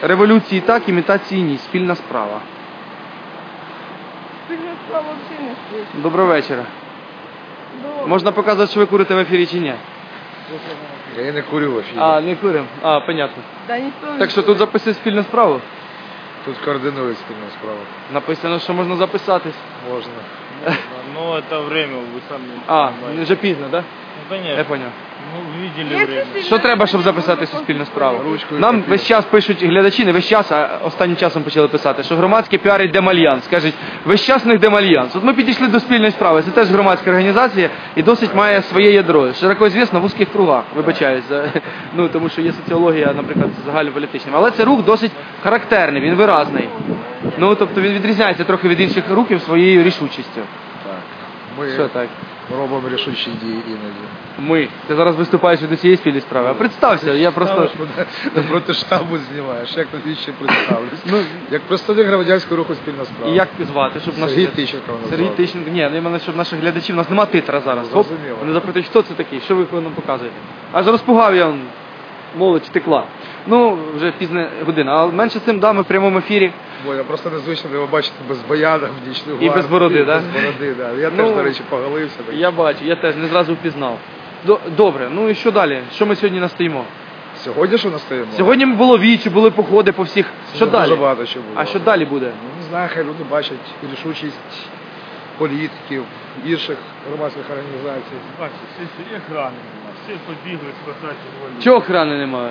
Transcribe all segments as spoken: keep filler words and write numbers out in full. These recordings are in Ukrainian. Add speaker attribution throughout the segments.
Speaker 1: Революції так, імітації ні. Спільна справа.
Speaker 2: Спільна справа взагалі не спить.
Speaker 1: Доброго вечора. Можна показувати, що ви курите в ефірі чи ні?
Speaker 3: Я не курю в ефірі.
Speaker 1: А, не курим? А, понятно.
Speaker 2: Да, ніхто не
Speaker 1: Так що тут записують спільну справу?
Speaker 3: Тут координують спільну справу.
Speaker 1: Написано, що можна записатись.
Speaker 3: Можна.
Speaker 4: Ну, это время, вы сами
Speaker 1: А,
Speaker 4: понимаете.
Speaker 1: вже пізно, так? Да?
Speaker 4: Ну, конечно.
Speaker 1: Я поняв.
Speaker 4: Ну, видели время.
Speaker 1: Що треба, щоб записати суспільну справу?
Speaker 3: Ручкою
Speaker 1: Нам
Speaker 3: папір.
Speaker 1: весь час пишуть глядачі, не весь час, а останнім часом почали писати, що громадське піарить Демальянс. Кажуть, весь час в них Демальянс. От ми підійшли до спільної справи. Це теж громадська організація і досить має своє ядро. Широко звісно в вузьких кругах, вибачаюсь. за- Ну, тому що є соціологія, наприклад, загальнополітична. Але це рух досить характерний, він виразний. Ну, тобто він відрізняється трохи від інших рухів своєю рішучістю.
Speaker 3: Так. Ми
Speaker 1: Що так?
Speaker 3: робимо рішучі дії іноді.
Speaker 1: Ми. Ти зараз виступаєш від усієї спільної справи. А представся, я просто...
Speaker 3: Ставиш мене проти штабу знімаєш. Як тобі ще представлюсь?
Speaker 1: Ну,
Speaker 3: Як представник громадянського руху спільна справа.
Speaker 1: І як звати, щоб
Speaker 3: Сергій
Speaker 1: наші-
Speaker 3: Тищенко мене
Speaker 1: Сергій
Speaker 3: звати.
Speaker 1: Тищенко. Ні, ну я мене, щоб наших глядачів, у нас нема титра зараз. Хоп,
Speaker 3: Зрозуміло.
Speaker 1: вони запитують, хто це такий, що ви нам показуєте. Аж розпугав я, он, молодь текла. Ну, вже пізна година, а менше з цим, да, ми в прямому ефірі.
Speaker 3: Бо я просто незвично його бачити без баяна в нічну
Speaker 1: І без бороди, да?
Speaker 3: Без бороди, да. Я
Speaker 1: Ну,
Speaker 3: теж, до речі, поголився. Так.
Speaker 1: Я бачу, я теж не зразу впізнав. До- Добре, ну і що далі? Що ми сьогодні настоїмо?
Speaker 3: Сьогодні що настоїмо?
Speaker 1: Сьогодні було вічі, були походи по всіх. Що
Speaker 3: Дуже
Speaker 1: далі?
Speaker 3: багато що було.
Speaker 1: А що далі буде?
Speaker 3: Ну, не знаю, хай люди бачать рішучість політиків, інших громадських організацій.
Speaker 4: Бачите, всі, всі охрани нема, всі побігли спасати волю.
Speaker 1: Чого охрани немає?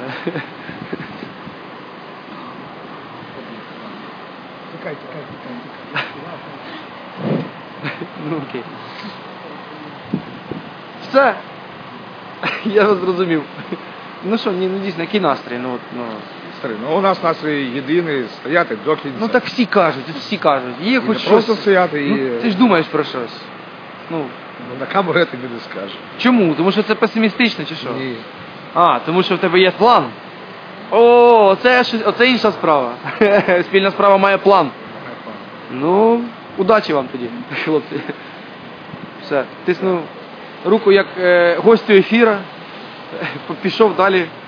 Speaker 3: Тікай, тікай, тікай,
Speaker 1: Ну окей. Все. Я вас зрозумів. Ну що, ні, ну дійсно, який настрій? Ну, от, ну.
Speaker 3: Старий, ну у нас настрій єдиний, стояти до кінця.
Speaker 1: ну так всі кажуть, от всі кажуть. Є
Speaker 3: І
Speaker 1: хоч
Speaker 3: не
Speaker 1: щось.
Speaker 3: просто стояти і...
Speaker 1: Ну, ти ж думаєш про щось. Ну,
Speaker 3: Ну, на камеру я тобі не скажу.
Speaker 1: чому? Тому що це песимістично чи що?
Speaker 3: Ні.
Speaker 1: А, тому що в тебе є план. О, оце, щось- оце інша справа. Спільна справа має план. Ну, удачі вам тоді, хлопці. Все, тисну руку як е, гостю ефіра, пішов далі